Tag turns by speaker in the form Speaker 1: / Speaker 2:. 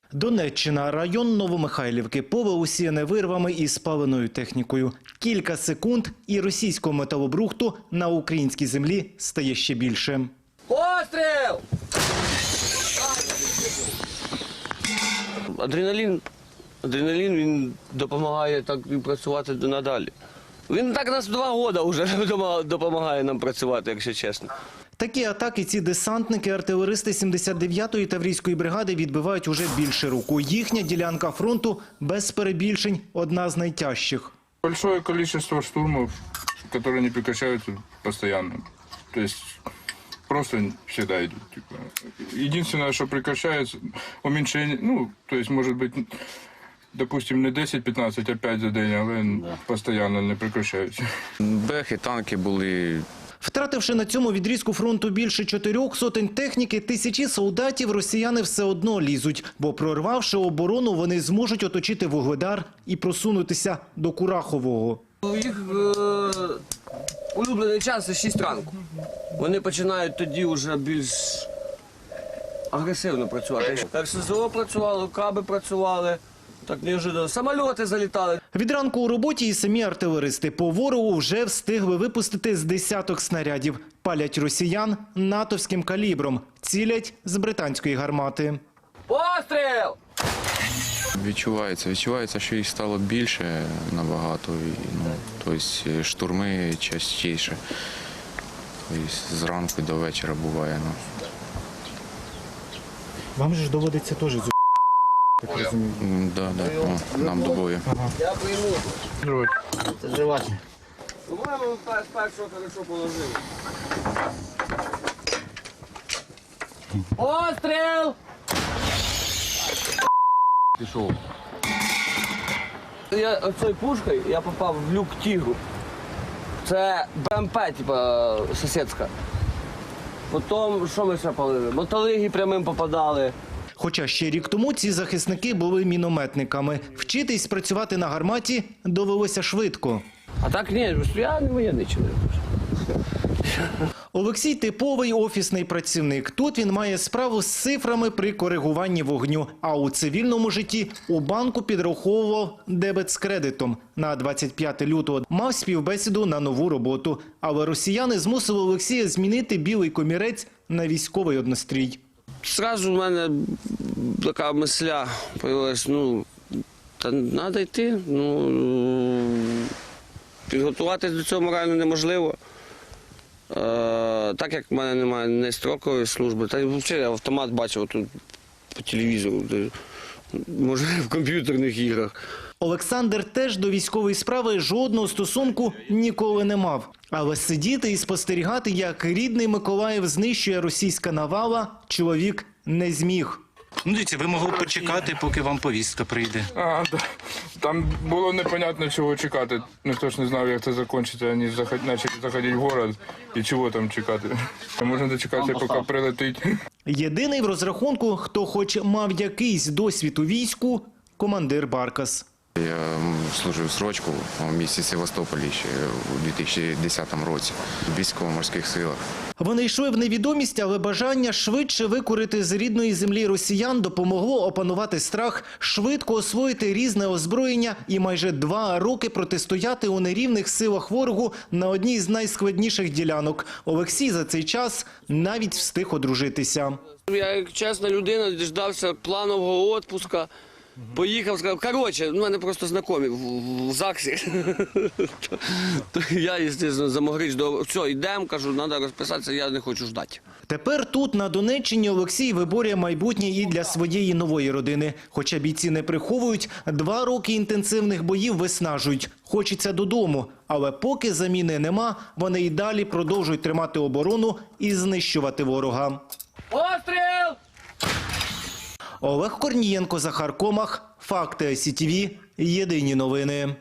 Speaker 1: Донеччина, район Новомихайлівки, поле усіяне вирвами і спаленою технікою. Кілька секунд і російського металобрухту на українській землі стає ще більше.
Speaker 2: Постріл! Адреналін він допомагає так і працювати надалі. Він так нас 2 роки вже допомагає нам працювати, якщо чесно.
Speaker 1: Такі атаки ці десантники, артилеристи 79-ї Таврійської бригади відбивають уже більше року. Їхня ділянка фронту без перебільшень одна з найтяжчих.
Speaker 3: Большое количество штурмов, которые не прекращаются постоянно. То есть просто всегда идут. Единственное, что прекращается, уменьшение, то есть может быть, допустим, не 10-15, а 5 за день, але постійно не прекращаються.
Speaker 4: Бехи, танки були.
Speaker 1: Втративши на цьому відрізку фронту більше 4 сотень техніки, тисячі солдатів, росіяни все одно лізуть. Бо прорвавши оборону, вони зможуть оточити Вугледар і просунутися до Курахового.
Speaker 2: Їх улюблений час – це 6 ранку. Вони починають тоді вже більш агресивно працювати. Так СЗО працювали, каби працювали, так неожиданно самольоти залітали.
Speaker 1: Від ранку у роботі і самі артилеристи по ворогу вже встигли випустити з десяток снарядів. Палять росіян натовським калібром, цілять з британської гармати.
Speaker 2: Постріл!
Speaker 4: Відчувається, що їх стало більше набагато. Тобто штурми частіше. Тобто зранку до вечора буває.
Speaker 1: Вам же доводиться теж з так розумію.
Speaker 4: Да. Нам до бою.
Speaker 2: Я прийму.
Speaker 1: Це живачне.
Speaker 2: По-моєму, першого хорошо положили. Постріл! Пішов. Я оцею пушкою попав в люк Тігру. Це БМП, типа, сусідська. Потім, що ми ще палили? Мотолиги прямим попадали.
Speaker 1: Хоча ще рік тому ці захисники були мінометниками. Вчитись працювати на гарматі довелося швидко.
Speaker 2: А так ні, я не воєнний чоловік.
Speaker 1: Олексій – типовий офісний працівник. Тут він має справу з цифрами при коригуванні вогню. А у цивільному житті у банку підраховував дебет з кредитом. На 25 лютого мав співбесіду на нову роботу. Але росіяни змусили Олексія змінити білий комірець на військовий однострій.
Speaker 2: Зразу в мене така мисля з'явилась, треба йти. Підготуватись до цього морально неможливо. Так як в мене немає ні строкової служби, та й взагалі я автомат бачив тут по телевізору, може в комп'ютерних іграх.
Speaker 1: Олександр теж до військової справи жодного стосунку ніколи не мав. Але сидіти і спостерігати, як рідний Миколаїв знищує російська навала, чоловік не зміг. Дивіться, ви могли почекати, поки вам повістка прийде.
Speaker 3: Да. Там було непонятно, чого чекати. Ніхто ж не знав, як це закінчиться. Вони почали заходити в город і чого там чекати. Можна дочекатися, поки прилетить.
Speaker 1: Єдиний в розрахунку, хто хоч мав якийсь досвід у війську – командир Баркас.
Speaker 4: Я служив срочку в місті Севастополі ще у 2010 році в військово-морських силах.
Speaker 1: Вони йшли в невідомість, але бажання швидше викурити з рідної землі росіян допомогло опанувати страх, швидко освоїти різне озброєння і майже 2 роки протистояти у нерівних силах ворогу на одній з найскладніших ділянок. Олексій за цей час навіть встиг одружитися.
Speaker 2: Я, як чесна людина, діждався планового відпустку. Поїхав, сказав, коротше, у мене просто знайомі в ЗАГСі. Я, звісно, замогрич, все, йдемо, кажу, треба розписатися, я не хочу ждати.
Speaker 1: Тепер тут, на Донеччині, Олексій виборює майбутнє і для своєї нової родини. Хоча бійці не приховують, 2 роки інтенсивних боїв виснажують. Хочеться додому. Але поки заміни нема, вони й далі продовжують тримати оборону і знищувати ворога.
Speaker 2: Постріл!
Speaker 1: Олег Корнієнко, Захар Комах. Факти СІТВ. Єдині новини.